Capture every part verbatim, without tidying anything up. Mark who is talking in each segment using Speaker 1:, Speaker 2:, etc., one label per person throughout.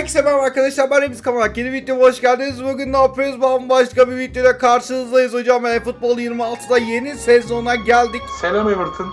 Speaker 1: Herkese merhaba arkadaşlar, ben Remiz Kamalak. Yeni videoma hoş geldiniz. Bugün ne yapıyoruz? Bambaşka bir videoda karşınızdayız hocam. eFootball yirmi altıda yeni sezona geldik.
Speaker 2: Selam Everton.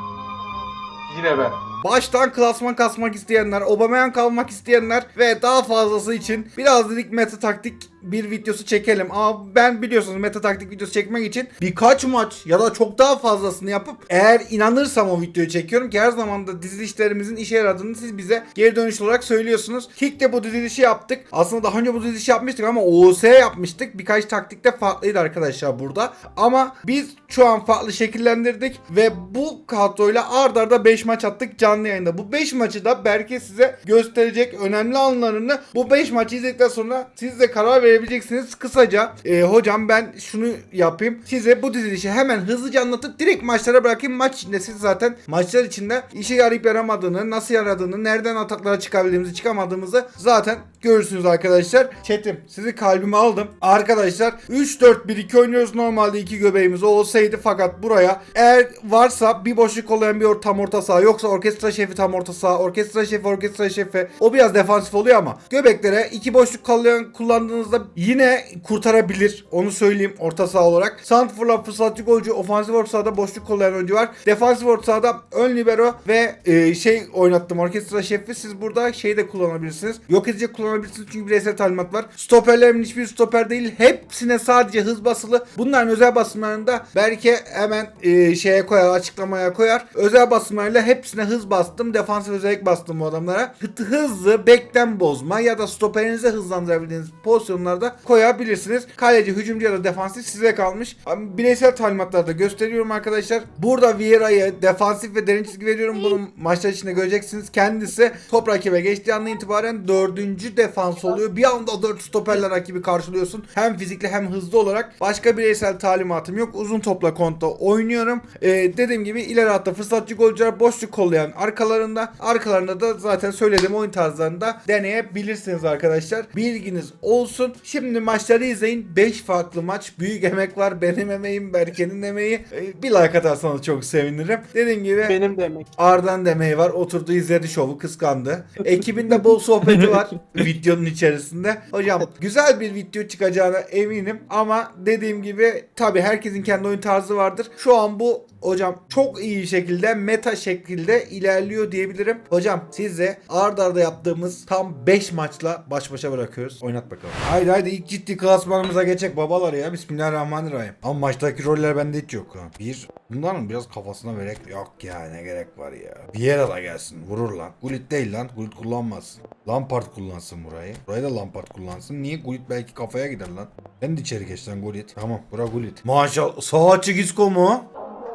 Speaker 2: Yine ben.
Speaker 1: Baştan klasman kasmak isteyenler, Aubameyang kalmak isteyenler ve daha fazlası için biraz dedik meta taktik bir videosu çekelim. Ama ben biliyorsunuz meta taktik videosu çekmek için birkaç maç ya da çok daha fazlasını yapıp eğer inanırsam o videoyu çekiyorum ki her zaman da dizilişlerimizin işe yaradığını siz bize geri dönüş olarak söylüyorsunuz. Kick'te bu dizilişi yaptık. Aslında daha önce bu dizilişi yapmıştık ama O O S yapmıştık. Birkaç taktikte farklıydı arkadaşlar burada. Ama biz şu an farklı şekillendirdik ve bu kadroyla ard arda beş maç attık canlı yayında. Bu beş maçı da Berke size gösterecek önemli anlarını. Bu beş maçı izledikten sonra siz de karar verebileceksiniz. Kısaca e, hocam ben şunu yapayım. Size bu dizilişi hemen hızlıca anlatıp direkt maçlara bırakayım. Maç içinde siz zaten maçlar içinde işe yarayıp yaramadığını, nasıl yaradığını, nereden ataklara çıkabildiğimizi, çıkamadığımızı zaten görürsünüz arkadaşlar. Chat'im sizi kalbime aldım. Arkadaşlar üç dört bir iki oynuyoruz. Normalde iki göbeğimiz olsaydı fakat buraya eğer varsa bir boşluk olayan bir tam orta saha, yoksa orkestra şefi tam orta saha, orkestra şefi orkestra şefi, o biraz defansif oluyor ama göbeklere iki boşluk kallayan kullandığınızda yine kurtarabilir. Onu söyleyeyim orta saha olarak. Santrfor'la fırsatçı golcü, ofansif orta sahada boşluk kollayan oyuncu var. Defansif orta sahada ön libero ve e, şey oynattım orkestra şefi. Siz burada şeyi de kullanabilirsiniz. Yok edecek kullanabilirsiniz çünkü bireysel talimat var. Stoperlerimin hiçbir stoper değil. Hepsine sadece hız basılı. Bunların özel basımlarında belki hemen e, şeye koyar, açıklamaya koyar. Özel basımlarıyla hepsine hız bastım. Defansif özellik bastım bu adamlara. Hı- hızlı bekten bozma ya da stoperinizi hızlandırabildiğiniz pozisyonlarda koyabilirsiniz. Kaleci, hücumcu ya da defansif size kalmış. Bireysel talimatlarda gösteriyorum arkadaşlar. Burada Vieira'ya defansif ve derin çizgi veriyorum. Bunu maçlar içinde göreceksiniz. Kendisi top rakibe geçtiği andan itibaren dördüncü defans oluyor. Bir anda dört stoperle rakibi karşılıyorsun. Hem fizikli hem hızlı olarak. Başka bireysel talimatım yok. Uzun topla kontra oynuyorum. Ee, dediğim gibi ileri hatta fırsatçı golcüler boşluk kollayan arkalarında. Arkalarında da zaten söylediğim oyun tarzlarında deneyebilirsiniz arkadaşlar. Bilginiz olsun. Şimdi maçları izleyin. beş farklı maç. Büyük emek var. Benim emeğim, Berke'nin emeği. Ee, bir like atarsanız çok sevinirim. Dediğim gibi
Speaker 3: Benim de emek.
Speaker 1: Arda'nın emeği var. Oturdu izledi şovu, kıskandı. Ekibinde bol sohbeti var videonun içerisinde. Hocam güzel bir video çıkacağına eminim ama dediğim gibi tabi herkesin kendi oyun tarzı vardır. Şu an bu hocam çok iyi şekilde meta şekilde ilerliyor diyebilirim. Hocam size arda arda yaptığımız tam beş maçla baş başa bırakıyoruz. Oynat bakalım. Haydi haydi ilk ciddi klasmanımıza geçecek babalar ya. Bismillahirrahmanirrahim. Ama maçtaki roller bende hiç yok. Ha. Bir, bunların biraz kafasına verek yok ya, ne gerek var ya. Vieira da gelsin vurur lan. Gullit değil lan. Gullit kullanmaz. Lampard kullansın burayı. Burayı da Lampard kullansın. Niye? Gullit belki kafaya gider lan. Ben de içeri geç lan Gullit. Tamam bura Gullit. Maşallah. Sağ açık Isco mu?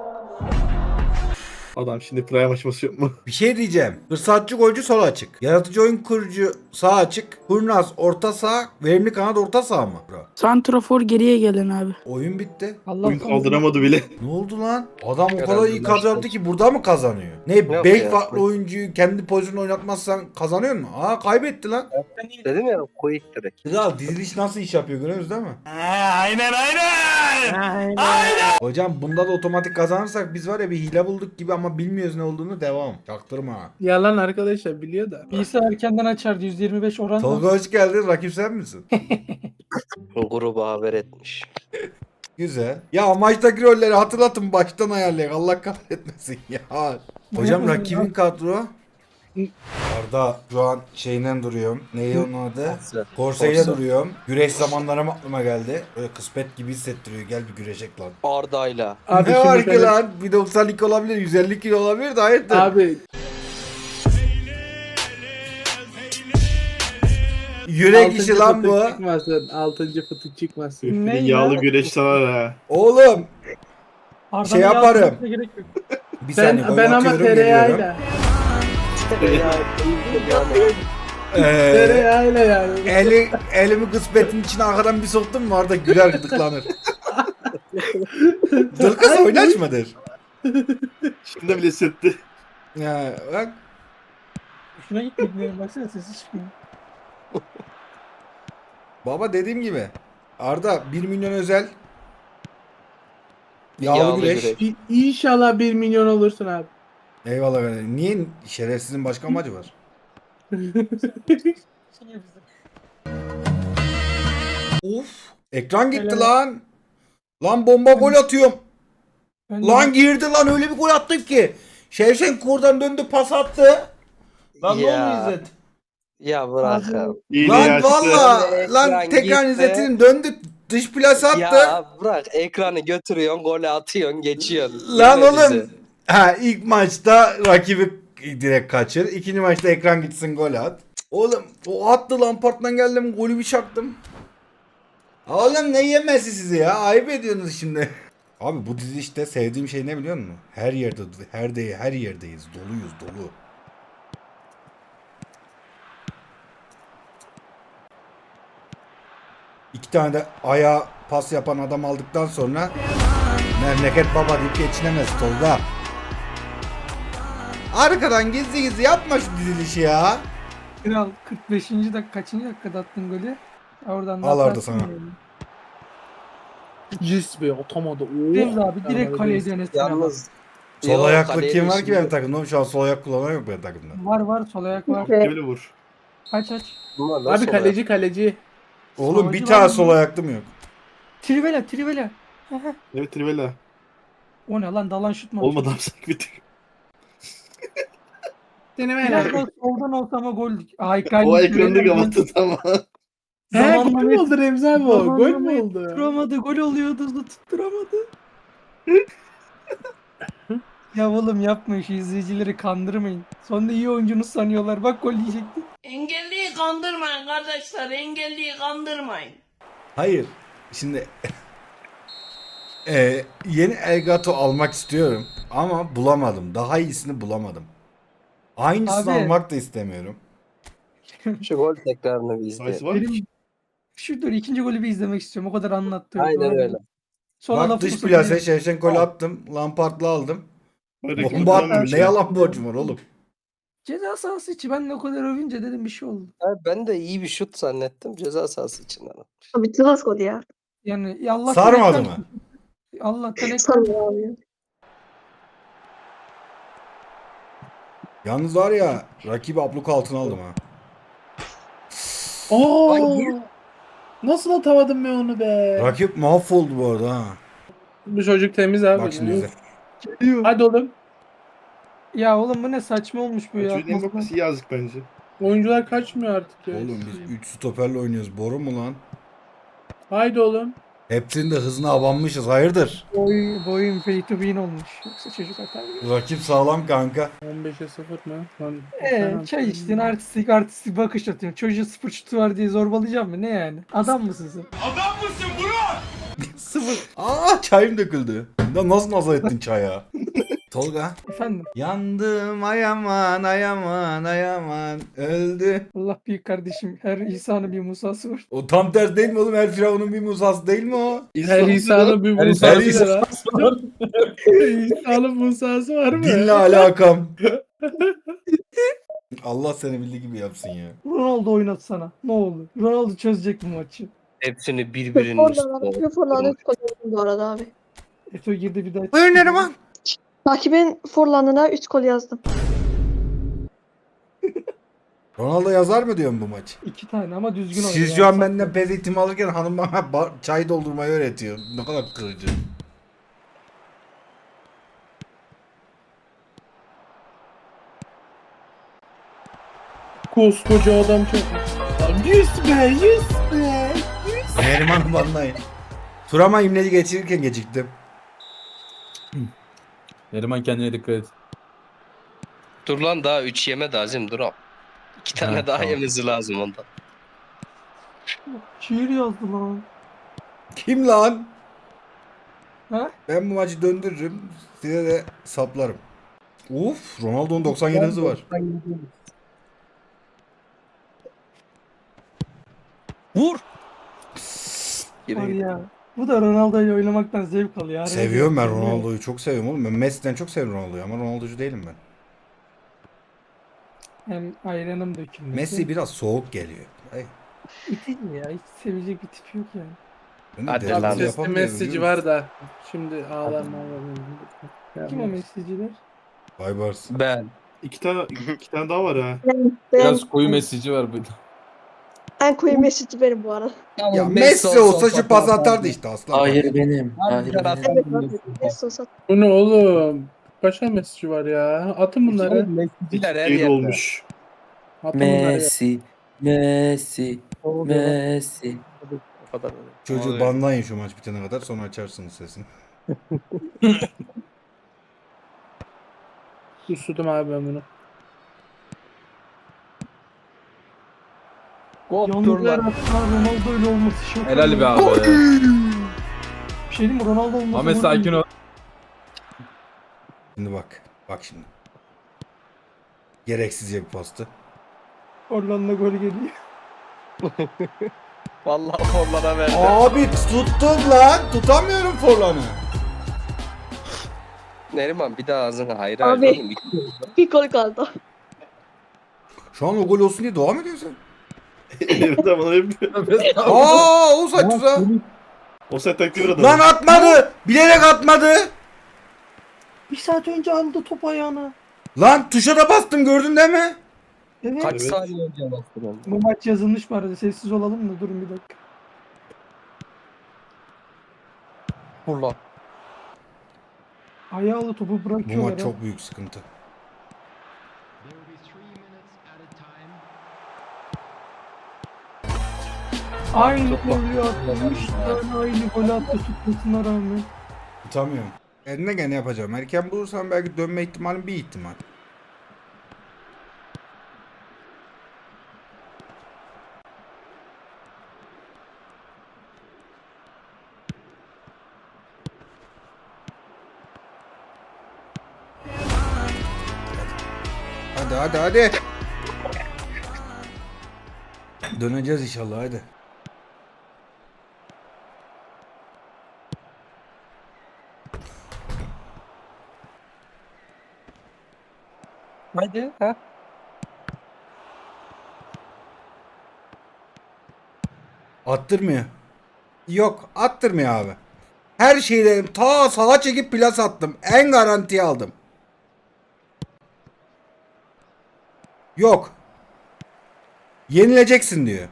Speaker 3: Adam şimdi prime açması yok mu?
Speaker 1: Bir şey diyeceğim. Fırsatçı golcü sol açık. Yaratıcı oyun kurucu sağ açık. Kurnaz orta saha. Verimli kanat orta saha mı? Bro.
Speaker 4: Santrafor geriye gelin abi.
Speaker 1: Oyun bitti.
Speaker 4: Allah
Speaker 3: Oyun kaldıramadı bile.
Speaker 1: Ne oldu lan? Adam o kadar
Speaker 5: Herhalde
Speaker 1: iyi
Speaker 5: maçta.
Speaker 1: kadro ki burada mı kazanıyor? Ne?
Speaker 5: Yok
Speaker 1: beş
Speaker 5: ya.
Speaker 1: farklı oyuncuyu kendi pozisyonunu oynatmazsan kazanıyor mu? Aa kaybetti lan.
Speaker 5: Dedim ya quick direkt.
Speaker 1: Güzel, diziliş nasıl iş yapıyor görüyoruz değil mi?
Speaker 3: Aynen aynen.
Speaker 1: Hocam bunda da otomatik kazanırsak biz var ya bir hile bulduk gibi ama bilmiyoruz ne olduğunu, devam. Çaktırma.
Speaker 3: Yalan arkadaşlar biliyor da.
Speaker 6: Birisi erkenden açardı yüzde yirmi beş oran.
Speaker 1: Tolga hoş geldin. Rakip sen misin?
Speaker 5: Gruba haber etmiş.
Speaker 1: Güzel. Ya maçtaki rolleri hatırlatın baştan ayarlayın. Allah kahretmesin ya. Hocam rakibin kadro. Arda şu an şeyinden duruyorum. Neydi onun adı? Korse'yle
Speaker 5: Korse.
Speaker 1: duruyorum. Güreş zamanlarım aklıma geldi. Böyle kısmet gibi hissettiriyor. Gel bir güreşek lan.
Speaker 5: Arda'yla.
Speaker 3: Abi
Speaker 1: ne
Speaker 3: şimdi
Speaker 1: var ki
Speaker 3: sen-
Speaker 1: lan? bir doksan iki olabilir. yüz elli kilo olabilir de hayırdır?
Speaker 3: Abi
Speaker 1: Yürek işi
Speaker 3: altıncı
Speaker 1: lan
Speaker 3: fıtık
Speaker 1: bu.
Speaker 3: Çıkmasın. Altıncı fıtık çıkmasın.
Speaker 6: Ne
Speaker 3: Yağlı
Speaker 6: ya?
Speaker 3: güreş sarar ha.
Speaker 1: Oğlum.
Speaker 6: Arda'nın
Speaker 1: şey yaparım.
Speaker 6: yazmasına gerek yok.
Speaker 1: Bir saniye.
Speaker 3: Ben,
Speaker 1: gol
Speaker 3: ben ama
Speaker 1: atıyorum, geliyorum.
Speaker 3: tereyağıyla.
Speaker 1: Ee,
Speaker 3: Tereyağıyla yani.
Speaker 1: eli, elimi kısmetin içine arkadan bir soktum mu Arda güler gıdıklanır. Dılkız oynaşmadır.
Speaker 3: Şimdi bile sırttı.
Speaker 1: Ya bak.
Speaker 6: Şuna gitmedi. Baksana sesi çıkmıyor.
Speaker 1: Baba dediğim gibi. Arda bir milyon özel. Yağlı,
Speaker 5: Yağlı
Speaker 1: güreş.
Speaker 5: güreş.
Speaker 3: İ- İnşallah bir milyon olursun abi.
Speaker 1: Eyvallah kardeşim. Niye? Şerefsizin başka amacı var.
Speaker 6: Şey bizim.
Speaker 1: Of. Ekran gitti
Speaker 6: Helal.
Speaker 1: lan. Lan bomba gol atıyorum.
Speaker 6: Ben de-
Speaker 1: Lan girdi lan, öyle bir gol attım ki. Şevşenko oradan döndü, pas attı. Lan ne
Speaker 5: Ya.
Speaker 1: oldu İzzet?
Speaker 5: Ya bırak
Speaker 6: Abi,
Speaker 5: abi.
Speaker 3: İyi
Speaker 1: Lan
Speaker 3: ya, çıktı.
Speaker 1: valla
Speaker 5: Ekran
Speaker 1: lan tekrar
Speaker 5: gitti.
Speaker 1: İzzet'in döndü, dış plase attı.
Speaker 5: Ya bırak ekranı götürüyorsun, golü atıyorsun, geçiyorsun.
Speaker 1: Lan
Speaker 5: Dinle
Speaker 1: oğlum.
Speaker 5: bizi.
Speaker 1: Ha, ilk maçta rakibi direkt kaçır. İkinci maçta ekran gitsin, gol at. Oğlum o attı, Lampard'dan geldim, golü bir çaktım. Oğlum ne yemesi sizi ya? Ayıp ediyorsunuz şimdi. Abi bu dizi işte sevdiğim şey ne biliyor musun? Her yerde, her de her yerdeyiz. Doluyuz, dolu. İki tane de ayağa pas yapan adam aldıktan sonra memleket baba deyip geçinemez Tolga. Arkadan gizli gizli yapma şu dizilişi ya.
Speaker 6: Kral kırk beşinci dakika kaçıncı dakikada attın golü? Oradan da
Speaker 1: Al orada
Speaker 6: atarsın
Speaker 1: sana.
Speaker 6: yani.
Speaker 3: Cis be atamadı. Oo.
Speaker 6: Remzi abi direkt
Speaker 3: Tamam,
Speaker 6: kaleye
Speaker 3: evet.
Speaker 6: denesene bak.
Speaker 5: Yalnız
Speaker 1: Sol
Speaker 5: Yok,
Speaker 1: ayaklı
Speaker 5: kaleye
Speaker 1: kim
Speaker 5: de
Speaker 1: var ki
Speaker 5: şimdi-
Speaker 1: benim takımda? Şu an sol ayak kullanan yok benim takımda.
Speaker 6: Var var sol ayak var.
Speaker 3: Böyle vur.
Speaker 6: Aç aç.
Speaker 5: Bunlar
Speaker 3: Abi
Speaker 5: nasıl
Speaker 3: kaleci kaleci.
Speaker 1: Oğlum
Speaker 6: Solcu
Speaker 1: bir
Speaker 6: var
Speaker 1: tane
Speaker 6: mı?
Speaker 1: sol ayaklım yok.
Speaker 6: Trivela Trivela.
Speaker 3: Evet Trivela.
Speaker 6: O ne lan, dalan şut mu?
Speaker 3: Olmadı abi sanki bir tık.
Speaker 6: Biraz daha soldan olsa ama gol. Ay
Speaker 3: O ekranda kapattı tamam. He
Speaker 6: Zamanla
Speaker 3: gol mü
Speaker 6: net-
Speaker 3: oldu Remzi abi o? Gol
Speaker 6: Zamanla
Speaker 3: mü
Speaker 6: net
Speaker 3: oldu?
Speaker 6: Tutturamadı, gol oluyordu hızlı tutturamadı. Ya oğlum yapmayın, şu izleyicileri kandırmayın. Sonunda iyi oyuncunuz sanıyorlar, bak gol yiyecekti.
Speaker 7: Engelliyi kandırmayın kardeşler, engelliyi kandırmayın.
Speaker 1: Hayır. Şimdi Eee yeni Elgato almak istiyorum ama bulamadım. Daha iyisini bulamadım. Aynısını
Speaker 6: Abi.
Speaker 1: almak da istemiyorum.
Speaker 5: Şu gol tekrarını bir izle.
Speaker 3: Sayısı var mı?
Speaker 6: Benim şu dur ikinci golü bir izlemek istiyorum, o kadar anlattı.
Speaker 5: Aynen öyle.
Speaker 6: Sonra
Speaker 1: Bak
Speaker 6: lafını
Speaker 1: dış
Speaker 6: sokayım.
Speaker 1: plase Şevşenko'yu attım. Lampard'la aldım.
Speaker 3: Öyle
Speaker 1: Bomba
Speaker 3: kim
Speaker 1: attım.
Speaker 3: kullanmış
Speaker 1: Ne
Speaker 3: ya?
Speaker 1: yalan borcum var oğlum.
Speaker 6: Ceza sahası içi, ben de o kadar övünce dedim bir şey oldu.
Speaker 5: Abi ben de iyi bir şut zannettim. Ceza sahası içinden.
Speaker 8: Abi Tıvas gol ya.
Speaker 6: Yani ya Allah'tan
Speaker 1: Sarmadı
Speaker 6: ekran-
Speaker 1: mı?
Speaker 6: Allah'tan ekran.
Speaker 8: Sanmıyor abi.
Speaker 1: Yalnız var ya, rakibi abluk altına aldım ha.
Speaker 3: Oo. Nasıl atamadım ben onu be?
Speaker 1: Rakip mahvoldu bu arada ha.
Speaker 3: Bu çocuk temiz abi.
Speaker 1: Bak şimdi izle.
Speaker 3: Hadi oğlum.
Speaker 6: Ya oğlum bu ne saçma olmuş bu ya.
Speaker 3: Çocuğun bakması yazık bence. Oyuncular kaçmıyor artık ya.
Speaker 1: Oğlum biz üç stoperle oynuyoruz. Boru mu lan?
Speaker 3: Haydi oğlum.
Speaker 1: Hepsinin de hızına abanmışız. Hayırdır?
Speaker 6: Boy, boyun pay to win olmuş. Yoksa çocuk atar gibi.
Speaker 1: Rakip sağlam kanka.
Speaker 3: on beşe sıfır mı? Lan,
Speaker 6: Eee
Speaker 3: sen-
Speaker 6: çay içtin, artistik artistik bakış atıyorsun. Çocuğu sıfır şutu var diye zorbalayacağım mı? Ne yani? Adam mısın sen?
Speaker 1: Sıfır. Aa, çayım döküldü. Ya nasıl nazar ettin çaya? Tolga.
Speaker 6: Efendim,
Speaker 1: Yandım ayaman ayaman ayaman öldü.
Speaker 6: Allah büyük kardeşim. Her İsa'nın bir Musa'sı var.
Speaker 1: O tam ters değil mi oğlum? Her firavunun bir Musa'sı değil mi o?
Speaker 3: Her İsa'nın bir
Speaker 1: Her
Speaker 3: Musa'sı
Speaker 1: İsa-
Speaker 3: var. İsa'nın Musa'sı var mı?
Speaker 1: Dinle alakam. Allah seni bildiği gibi yapsın ya.
Speaker 6: Ronaldo oynatsana. Ne olur. Ronaldo çözecek bu maçı.
Speaker 5: Hepsini birbirinin üstüne.
Speaker 8: Forlan'da üç gol yazdım bu arada abi.
Speaker 6: Eto girdi bir daha.
Speaker 1: Buyur Neriman.
Speaker 8: Takibin Forlan'ına üç gol yazdım.
Speaker 1: Ronaldo yazar mı diyorsun bu maç?
Speaker 6: İki tane ama düzgün oynuyor.
Speaker 1: Siz şu an benden pez eğitimi alırken hanım bana ba- çay doldurmayı öğretiyor. Ne kadar kırıcı.
Speaker 3: Koskoca adam çok. Yüz be, yüz be.
Speaker 1: Neriman banlayın. Turama imleci geçirirken geciktim.
Speaker 9: Neriman kendine dikkat et.
Speaker 5: Dur lan daha üç yeme de Azim dur. İki tane
Speaker 9: Ha,
Speaker 5: daha
Speaker 9: tamam.
Speaker 5: yemesi lazım ondan.
Speaker 6: Şiir yazdı lan.
Speaker 1: Kim lan?
Speaker 6: Ha?
Speaker 1: Ben bu maçı döndürürüm. Size de saplarım. Uf, Ronaldo'nun doksan yedi hızı var.
Speaker 5: Vur.
Speaker 6: Var
Speaker 5: Geri
Speaker 6: ya. Bu da Ronaldo'yu oynamaktan zevk alıyor. Araya
Speaker 1: Seviyorum ben
Speaker 6: giriyor.
Speaker 1: Ronaldo'yu. Çok seviyorum oğlum. Ben Messi'den çok seviyorum Ronaldo'yu ama Ronaldo'cu değilim ben.
Speaker 6: Hem ayranım dökülmesi.
Speaker 1: Messi biraz soğuk geliyor. Ay,
Speaker 6: İtici ya. Hiç sevecek bir tip yok yani.
Speaker 1: ben de
Speaker 5: Hadi
Speaker 1: dedikodu
Speaker 5: lan.
Speaker 3: Sesli
Speaker 1: yapamıyorum,
Speaker 3: mesajı
Speaker 1: biliyor
Speaker 3: var
Speaker 1: musun?
Speaker 3: da. Şimdi ağlar mağlar.
Speaker 6: Kim o mesajcılar?
Speaker 1: Baybars.
Speaker 5: Ben.
Speaker 3: İki tane, iki tane daha var ha.
Speaker 8: Ben,
Speaker 9: Biraz koyu mesajı var burada.
Speaker 8: En koyu Mesut'u benim bu arada.
Speaker 1: Ya Messi olsa şu pas atardı işte aslan.
Speaker 3: Hayır benim. Hayır
Speaker 5: Harbiden
Speaker 3: benim.
Speaker 8: Evet abi. Mesut olsa.
Speaker 10: Bu ne oğlum? Kaç tane mesajı var ya? Atın bunları.
Speaker 5: Messi'ciler her
Speaker 10: Değil
Speaker 5: yerde.
Speaker 10: olmuş. Atın bunları ya.
Speaker 3: Messi. Messi. Messi.
Speaker 5: O kadar.
Speaker 1: Çocuğu
Speaker 5: Vallahi.
Speaker 1: banlayın şu maç bitene kadar sonra açarsınız sesini.
Speaker 10: Kusudum abi ben bunu.
Speaker 6: Yalnız her hafta Ronaldo öyle olması şok.
Speaker 9: Helal be abi.
Speaker 6: Bir şey diyeyim mi? Ronaldo olması.
Speaker 9: Ahmet sakin ol.
Speaker 1: Şimdi bak. Bak şimdi. Gereksizce bir pastı.
Speaker 6: Hollanda gol geliyor.
Speaker 5: Vallahi forlara verdi.
Speaker 1: Abi tuttum lan. Tutamıyorum Forlan'ı.
Speaker 5: Neriman bir daha ağzına hayır
Speaker 8: Abi.
Speaker 5: hayır oğlum. İki-
Speaker 8: Bir gol kaldı.
Speaker 1: Şu an o gol olsun diye devam ediyorsun.
Speaker 11: Evet ama onu yapıyor.
Speaker 1: Aa o saçma.
Speaker 11: O set taktiği bir
Speaker 1: Lan atmadı. Bilerek atmadı.
Speaker 6: Bir saat önce aldı top ayağına.
Speaker 1: Lan tuşa da bastım gördün değil mi?
Speaker 6: Evet.
Speaker 5: Kaç
Speaker 11: Evet.
Speaker 5: saniye önce bastın onu?
Speaker 6: Bu maç yazılmış bu arada. Sessiz olalım da durun bir dakika.
Speaker 5: Vurla.
Speaker 6: Ayağıyla topu
Speaker 1: Bu
Speaker 6: bırakıyorlar.
Speaker 1: maç
Speaker 6: ha.
Speaker 1: çok büyük sıkıntı.
Speaker 6: Aynı
Speaker 5: Çok
Speaker 6: golü attı.
Speaker 5: bak-
Speaker 6: Üç tane aynı golü attı tutmasına rağmen.
Speaker 1: Tutamıyorum. Eline gene yapacağım. Erken bulursam belki dönme ihtimalim bir ihtimal. Hadi hadi hadi. Döneceğiz inşallah hadi.
Speaker 5: Haydi. Ha?
Speaker 1: Attırmıyor. Yok attırmıyor abi. Her şeyi dedim. Ta sağa çekip plas attım. En garantiye aldım. Yok. Yenileceksin diyor.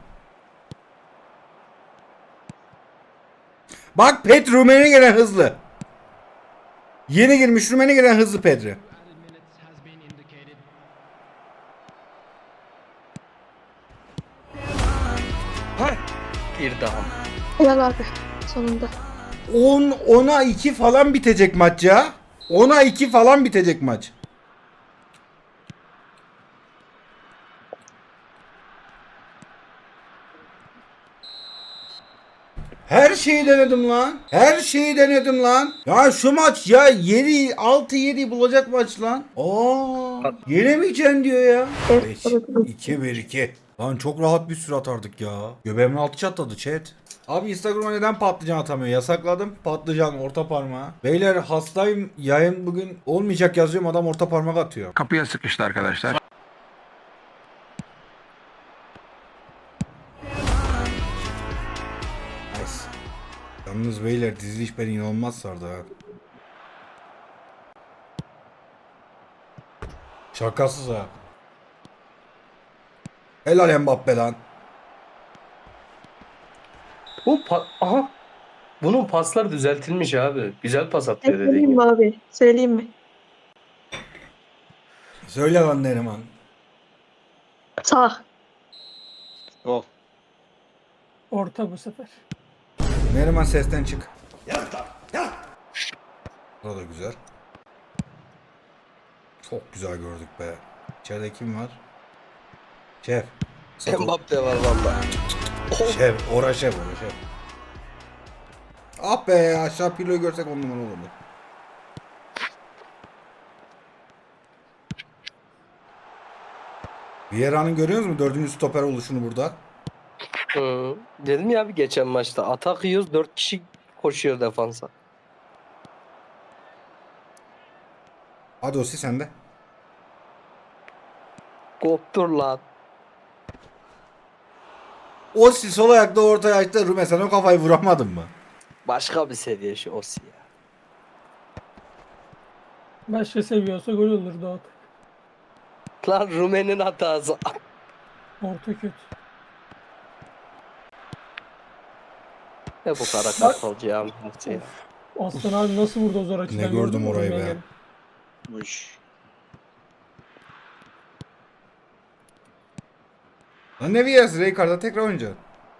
Speaker 1: Bak Pet Rumeni gelen hızlı. Yeni girmiş Rumeni gelen hızlı Pedri.
Speaker 5: Bir daha.
Speaker 8: Helal abi. Sonunda.
Speaker 1: on ona iki falan bitecek maç ya. ona iki falan bitecek maç. Her şeyi denedim lan. Her şeyi denedim lan. Ya şu maç ya yedi altı yedi bulacak maç lan. Aa, yenemeyeceksin diyor ya.
Speaker 8: Evet, evet, evet.
Speaker 1: iki bir iki. Lan çok rahat bir süre atardık ya. Göbeğimin altı çatladı chat. Abi Instagram'a neden patlıcan atamıyor? Yasakladım. Patlıcan orta parmağı. Beyler hastayım. Yayın bugün olmayacak yazıyorum. Adam orta parmak atıyor.
Speaker 12: Kapıya sıkıştı arkadaşlar.
Speaker 1: Nice. Yalnız beyler diziliş beni inanılmaz sardı ha. Şakasız ha. Helal Mbappe lan.
Speaker 5: Bu pa- aha. Bunun paslar düzeltilmiş abi. Güzel pas atıyor dediğin
Speaker 8: Söyleyeyim
Speaker 5: gibi.
Speaker 8: mi abi? Söyleyeyim mi?
Speaker 1: Söyle lan Neriman.
Speaker 8: Sağ.
Speaker 6: Orta bu sefer.
Speaker 1: Neriman sesten çık. Burada güzel. Çok güzel gördük be. İçeride kim var? Şef. Sakın.
Speaker 5: Mbappe var valla.
Speaker 1: Şef. Ora şef. Ora şef. Ah be aşağı piloyu görsek on numara olurdu. Vieira'nın görüyor musunuz dördüncü stoper oluşunu burada?
Speaker 5: Hı. Dedim ya abi geçen maçta. Atak yiyoruz dört kişi koşuyor defansa.
Speaker 1: Hadi Osi sende.
Speaker 5: Koptur lan.
Speaker 1: Osi sol ayakta ortaya açtı. Rume sen o kafayı vuramadın mı?
Speaker 5: Başka bir seviye şu Osi ya.
Speaker 6: Başka seviyorsa gol olurdu o.
Speaker 5: Lan Rumen'in hatası.
Speaker 6: Orta kötü.
Speaker 5: Ne bu kara kartalcı ya. ya.
Speaker 6: Aslan abi nasıl vurdu o zor açıdan?
Speaker 1: Ne gördüm
Speaker 6: mü?
Speaker 1: orayı be.
Speaker 6: Engel.
Speaker 1: Lan ne Vias? Raycard'a tekrar oynayacak.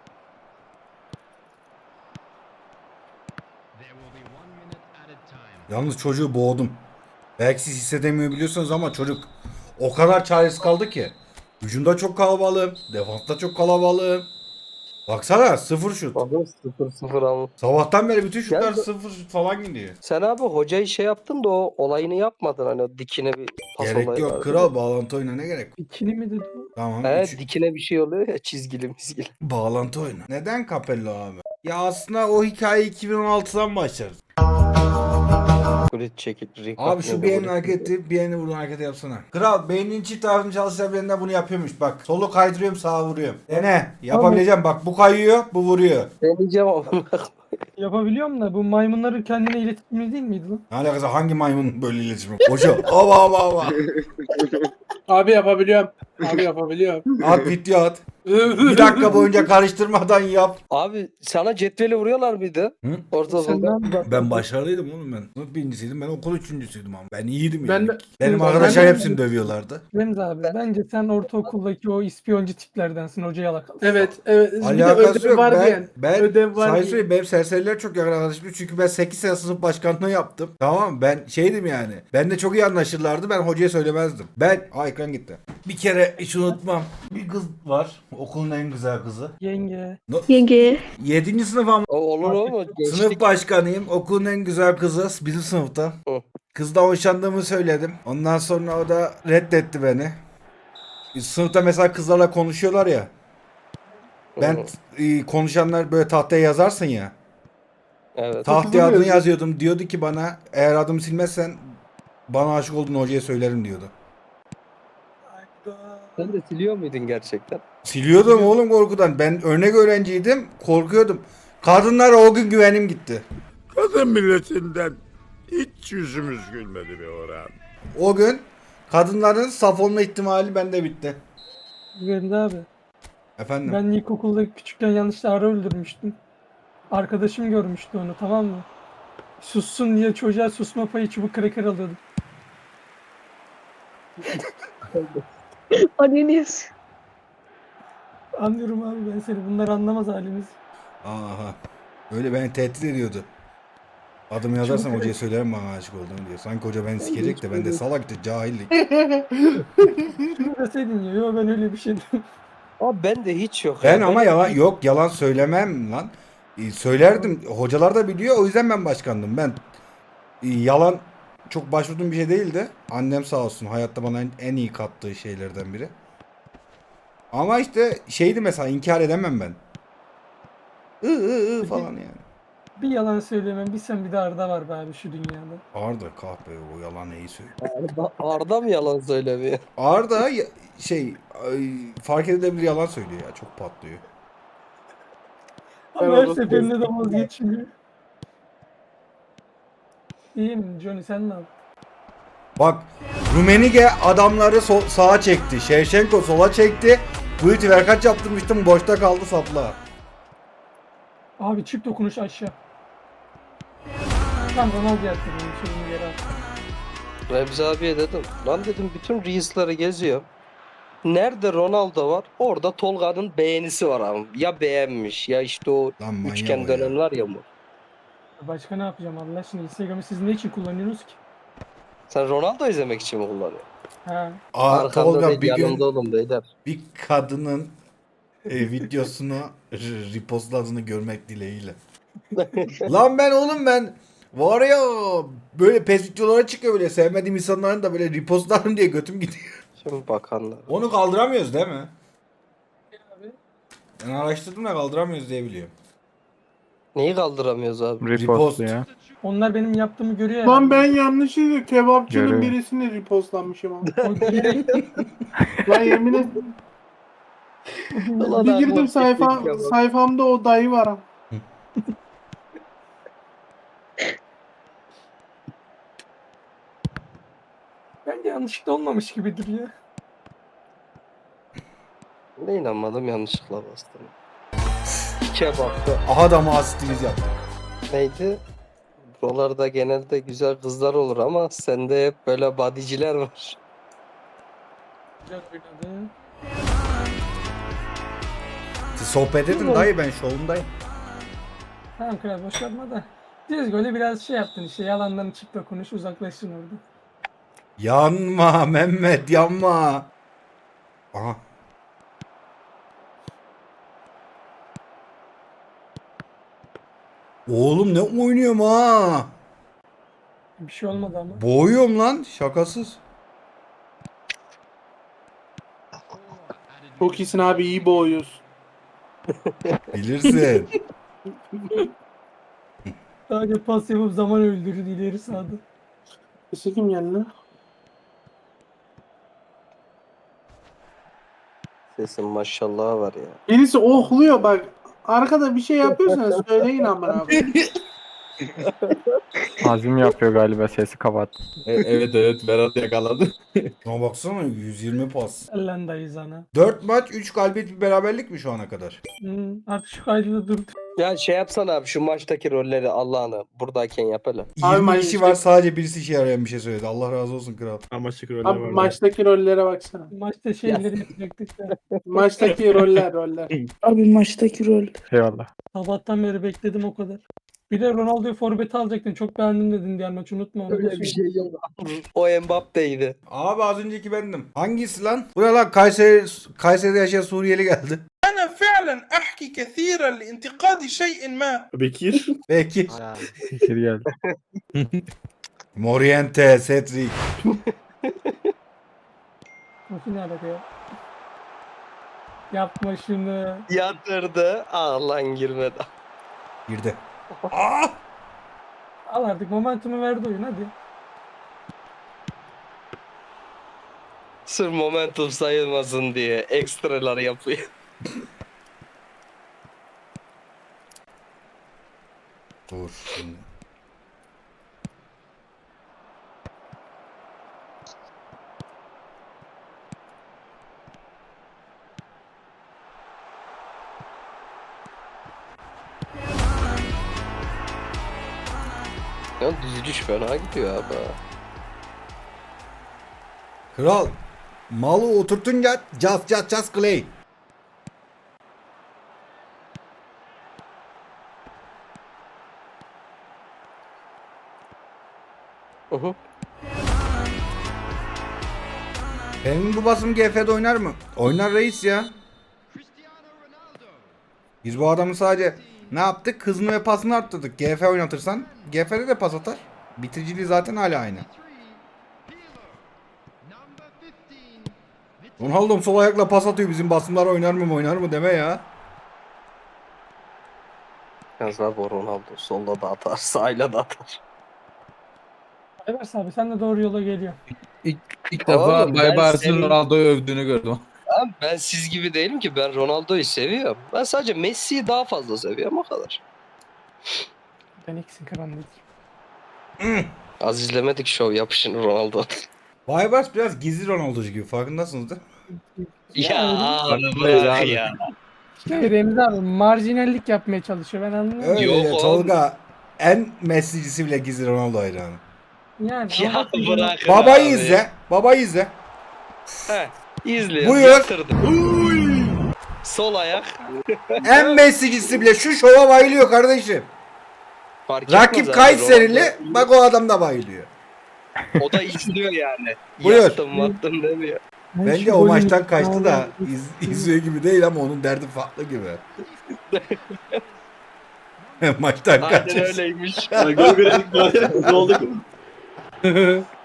Speaker 1: Yalnız çocuğu boğdum. Belki siz hissedemiyor biliyorsunuz ama çocuk o kadar çaresiz kaldı ki. Hücumda çok kalabalığım. Defansta çok kalabalığım. Baksana sıfır şut.
Speaker 5: Bakın sıfır sıfır ama.
Speaker 1: Sabahtan beri bütün şutlar
Speaker 5: Gel-
Speaker 1: sıfır şut falan gidiyor.
Speaker 5: Sen abi hocayı şey yaptın da o olayını yapmadın hani o dikine bir pas
Speaker 1: Gerek
Speaker 5: olayı
Speaker 1: yok
Speaker 5: vardı.
Speaker 1: kral, bağlantı oyuna ne gerek?
Speaker 6: İkili mi dedi o?
Speaker 1: Tamam.
Speaker 5: Evet
Speaker 1: üç-
Speaker 5: dikine bir şey oluyor ya çizgili mizgili.
Speaker 1: Bağlantı oyunu. Neden Capello abi? Ya aslında o hikaye iki bin on altıdan başlar.
Speaker 5: Kulit çekil.
Speaker 1: Abi şu bir elini hareketi, bir elini buradan hareket yapsana. Kral beynin çift tarafını çalışan birinden bunu yapıyormuş bak. Solu kaydırıyorum, sağa vuruyorum. Dene. Yapabileceğim bak, bu kayıyor, bu vuruyor.
Speaker 5: Deneyeceğim ama.
Speaker 6: Yapabiliyorum da bu maymunların kendine iletişimi değil miydi lan?
Speaker 1: Ne alakası, hangi maymun böyle iletişimi? Hoca. Ava ava ava.
Speaker 10: Abi yapabiliyorum. Abi yapabiliyorum.
Speaker 1: At video at. Bir dakika boyunca karıştırmadan yap.
Speaker 5: Abi sana cetveli vuruyorlar mıydı?
Speaker 1: Hı?
Speaker 6: Sen ne
Speaker 5: Ortaokulda.
Speaker 6: yapıyorsun?
Speaker 1: Ben başarılıydım oğlum ben. Sınıf birincisiydim, ben okul üçüncüsüydüm ama. Ben iyiydim yani.
Speaker 10: Ben de-
Speaker 1: Benim
Speaker 10: ben
Speaker 1: arkadaşlar
Speaker 10: de-
Speaker 1: hepsini dövüyorlardı.
Speaker 6: Remzi abi bence sen ortaokuldaki o ispiyoncu tiplerdensin, hoca yalakalı.
Speaker 10: Evet, evet. Bir de
Speaker 1: Alakası
Speaker 10: ödev
Speaker 1: yok.
Speaker 10: var
Speaker 1: Ben,
Speaker 10: diyen.
Speaker 1: ben
Speaker 10: Ödev var
Speaker 1: sana
Speaker 10: diyen.
Speaker 1: söyleyeyim, benim serseriler çok yakın arkadaşım. Çünkü ben sekiz sene sınıf başkanlığı yaptım. Tamam mı? Ben şeydim yani. Ben de çok iyi anlaşırlardı. Ben hocaya söylemezdim. Ben... Aa, ekran gitti. Bir kere hiç unutmam. Bir kız var. Okulun en güzel kızı.
Speaker 6: Yenge.
Speaker 8: Yenge.
Speaker 1: Yedinci sınıf ama.
Speaker 5: O olur mu?
Speaker 1: Sınıf
Speaker 5: Gençlik.
Speaker 1: başkanıyım. Okulun en güzel kızı bizim sınıfta.
Speaker 5: Hı.
Speaker 1: Kızla hoşlandığımı söyledim. Ondan sonra o da reddetti beni. Sınıfta mesela kızlarla konuşuyorlar ya. Ben
Speaker 5: Hı.
Speaker 1: e, konuşanlar böyle tahtaya yazarsın ya.
Speaker 5: Evet.
Speaker 1: Tahtaya adını
Speaker 10: yazıyor.
Speaker 1: yazıyordum. Diyordu ki bana, eğer adımı silmezsen bana aşık olduğunu hocaya söylerim diyordu.
Speaker 5: Sen de siliyor muydun gerçekten?
Speaker 1: Siliyordum oğlum korkudan. Ben örnek öğrenciydim. Korkuyordum. Kadınlara o gün güvenim gitti.
Speaker 11: Kadın milletinden hiç yüzümüz gülmedi be Orhan.
Speaker 1: O gün kadınların saf olma ihtimali bende bitti.
Speaker 6: Remzi abi.
Speaker 1: Efendim?
Speaker 6: Ben ilkokulda küçükken yanlışlıkla arı öldürmüştüm. Arkadaşım görmüştü onu, tamam mı? Sussun diye çocuğa susma payı çubuk kraker alıyordum.
Speaker 8: Anneniz.
Speaker 6: Anlıyorum abi ben seni. Bunlar anlamaz halimiz.
Speaker 1: Aha. Öyle beni tehdit ediyordu. Adımı yazarsam hocaya söylerim bana aşık olduğunu diyor. Sanki hoca beni sikecek de ben de salaktı, cahillik.
Speaker 6: Şunu deseydin ya. Yok ben öyle bir şey dedim.
Speaker 5: Abi ben de hiç yok.
Speaker 1: Ben
Speaker 5: ya.
Speaker 1: ama yalan yok, yalan söylemem lan. Ee, Söylerdim. Hocalar da biliyor. O yüzden ben başkandım. Ben e, yalan çok başvurduğum bir şey değildi. Annem sağ olsun hayatta bana en, en iyi kattığı şeylerden biri. Ama işte şeydi mesela, inkar edemem ben. I ı ı falan yani.
Speaker 6: Bir yalan söyleyemem. Bir sen bir de Arda var be abi şu dünyada.
Speaker 1: Arda kahpe, o yalan neyi söylüyor.
Speaker 5: Arda, Arda mı yalan söylemiyor?
Speaker 1: Arda ya- şey ay, fark edilebilir yalan söylüyor ya, çok patlıyor.
Speaker 6: Ama her seferinde de vazgeçmiyor. İyiyim Johnny, sen ne yaptın?
Speaker 1: Bak, Rumenige adamları sol, sağa çekti. Şevşenko sola çekti. Bu iti verkaç yaptırmıştım, boşta kaldı sapla.
Speaker 6: Abi çift dokunuş aşağı. Tam Ronaldo yaptırdım sözünü yere at.
Speaker 5: Remzi abiye dedim. Lan dedim bütün Reels'ları geziyor. Nerede Ronaldo var? Orada Tolga'nın beğenisi var abi. Ya beğenmiş ya işte o
Speaker 1: Lan manyak
Speaker 5: üçgen
Speaker 1: o ya.
Speaker 5: dönen var ya bu.
Speaker 6: Başka ne yapacağım Allah aşkına? Instagram'ı siz ne için kullanıyorsunuz ki?
Speaker 5: Sen Ronaldo izlemek için mi kullanıyorsun?
Speaker 6: Ha.
Speaker 1: Aa,
Speaker 5: Arkamda
Speaker 1: Tolga
Speaker 5: değil
Speaker 1: bir gün
Speaker 5: yanımda olun beyler.
Speaker 1: bir kadının e, videosunu r- repostladığını görmek dileğiyle. Lan ben oğlum ben var ya, böyle pes videolara çıkıyor, böyle sevmediğim insanların da böyle repostlarım diye götüm gidiyor.
Speaker 5: Şimdi bakanlar.
Speaker 1: Onu kaldıramıyoruz değil mi? Ben araştırdım da kaldıramıyoruz diye biliyorum.
Speaker 5: Neyi kaldıramıyoruz abi?
Speaker 1: Repost.
Speaker 6: Onlar benim yaptığımı görüyor ya.
Speaker 10: Lan ben yanlışlıkla kebapçının
Speaker 3: Görüyor.
Speaker 10: birisini repostlamışım ama.
Speaker 6: O gerek-
Speaker 10: Lan yemin ederim.
Speaker 5: Ulan
Speaker 10: Bir
Speaker 5: abi,
Speaker 10: girdim
Speaker 5: o
Speaker 10: sayfa,
Speaker 5: teknik ya bak.
Speaker 10: sayfamda o dayı var ama.
Speaker 6: Bence yanlışlıkla olmamış gibidir ya.
Speaker 5: Ne inanmadım yanlışlıkla bastım. Kebapta.
Speaker 1: Aha da mı asistimiz yaptık.
Speaker 5: Neydi? Buralarda genelde güzel kızlar olur ama sende hep böyle badiciler var.
Speaker 6: Güzel oynadı.
Speaker 1: Siz sohbet edin dayı, ben şovundayım.
Speaker 6: Tamam kral boş yapma da. Düz golü biraz şey yaptın işte yalandan çık da konuş uzaklaşsın orada.
Speaker 1: Yanma Mehmet, yanma. Aha. Oğlum ne oynuyorum ha?
Speaker 6: Bir şey olmadı ama.
Speaker 1: Boğuyorum lan, şakasız.
Speaker 10: Çok iyisin abi, iyi boğuyorsun.
Speaker 1: Bilirsin.
Speaker 6: Sadece pas yapıp zaman öldürür ileri sağda.
Speaker 10: Sesi kim geldi?
Speaker 5: Sesin maşallah var ya.
Speaker 10: Birisi ohluyor bak. Arkada bir şey yapıyorsanız söyleyin amına abi.
Speaker 3: Azim yapıyor galiba, sesi kapat.
Speaker 9: E- evet evet Berat yakaladı.
Speaker 1: Şuna baksana, yüz yirmi pas.
Speaker 6: Ellen dayı sana.
Speaker 1: dört maç, üç galibiyet, bir beraberlik mi şu ana kadar?
Speaker 6: Hmm, artık şu kaydı da dur.
Speaker 5: Ya şey yapsana abi, şu maçtaki rolleri Allah'ını buradayken yap hele.
Speaker 10: Abi
Speaker 1: yirmi
Speaker 10: maç-
Speaker 1: kişi var, sadece birisi işe yarayan bir şey söyledi. Allah razı olsun kral.
Speaker 3: Amaçlık roller
Speaker 10: Abi
Speaker 3: var.
Speaker 10: maçtaki rollere baksana.
Speaker 6: Maçta şeyleri yapacaktık da.
Speaker 10: Maçtaki roller roller.
Speaker 4: Abi maçtaki rol.
Speaker 3: Eyvallah.
Speaker 6: Sabahtan beri bekledim o kadar. Bir de Ronaldo'yu forvete alacaktın. Çok beğendim dedin diğer maç unutma onu. da
Speaker 5: Öyle bir
Speaker 6: söyle.
Speaker 5: şey yok. O Mbappe'ydi.
Speaker 1: Abi az önceki bendim. Hangisi lan? Buraya lan Kayseri, Kayseri'de yaşayan Suriyeli geldi.
Speaker 12: أنا فعلا أحكي كثيرا لانتقاد شيء ما.
Speaker 3: Bekir.
Speaker 1: Belki.
Speaker 3: Bekir geldi.
Speaker 1: Moriente, Cedric.
Speaker 6: Nasıl ne alaka ya? Yapma şunu.
Speaker 5: Yatırdı. Aa lan girmedi.
Speaker 1: Girdi. Aa!
Speaker 6: Al artık momentumu verdi oyun hadi.
Speaker 5: Sırf momentum sayılmasın diye ekstralar yapıyor.
Speaker 1: Dur şimdi.
Speaker 5: Ya düzülüş fena gidiyor abi.
Speaker 1: Kral. Malı oturtunca just just just Clay.
Speaker 5: Hı hı.
Speaker 1: Benim bu basım G F'de oynar mı? Oynar reis ya. Biz bu adamı sadece ne yaptık? Hızını ve pasını arttırdık. G F oynatırsan G F'de de pas atar. Bitiriciliği zaten hala aynı. Ronaldo'm sol ayakla pas atıyor. Bizim basımlar oynar mı oynar mı deme ya.
Speaker 5: Yalnız abi o Ronaldo solda da atar, sağıyla da atar.
Speaker 6: Evers abi sen de doğru yola geliyor.
Speaker 9: İlk, ilk defa
Speaker 5: Oğlum, ben
Speaker 9: Bay Bars'ın
Speaker 5: senin-
Speaker 9: Ronaldo'yu övdüğünü gördüm.
Speaker 5: Abi ben siz gibi değilim ki, ben Ronaldo'yu seviyorum. Ben sadece Messi'yi daha fazla seviyorum, o kadar.
Speaker 6: Ben iksin karanlık.
Speaker 5: Az izlemedik şov yapışın Ronaldo.
Speaker 1: Baybars biraz gizli Ronaldo'cu gibi, farkındasınız değil mi?
Speaker 5: ya abi
Speaker 9: Öyle
Speaker 5: bırak
Speaker 9: abi.
Speaker 5: ya.
Speaker 6: İşte Remzi abi marjinallik yapmaya çalışıyor ben anlıyorum.
Speaker 1: Öyle
Speaker 5: Yok
Speaker 1: ya,
Speaker 5: oğlum.
Speaker 1: Tolga en Messi'cisi bile gizli Ronaldo hayranı.
Speaker 6: Yani
Speaker 5: Ya
Speaker 6: ama-
Speaker 5: bırak
Speaker 1: Babayı
Speaker 5: abi.
Speaker 1: izle. Babayı izle.
Speaker 5: Heh, izle.
Speaker 1: Buyur.
Speaker 5: Yatırdı. Sol ayak.
Speaker 1: En Messi'cisi bile şu şova bayılıyor kardeşim.
Speaker 5: Fark etmez
Speaker 1: Rakip
Speaker 5: abi,
Speaker 1: Kayserili,
Speaker 5: Ronaldo-
Speaker 1: bak o adam da bayılıyor.
Speaker 5: O da izliyor yani.
Speaker 1: Buyur.
Speaker 5: Yattım attım demiyor.
Speaker 6: Ben
Speaker 1: Bence
Speaker 6: şu
Speaker 1: o
Speaker 6: golün-
Speaker 1: maçtan kaçtı da iz, izliyor gibi değil ama onun derdi farklı gibi. Maçtan
Speaker 5: Aynen
Speaker 1: kaçtı.
Speaker 5: öyleymiş.
Speaker 3: Gol verelim, gol verelim. Ne oldu?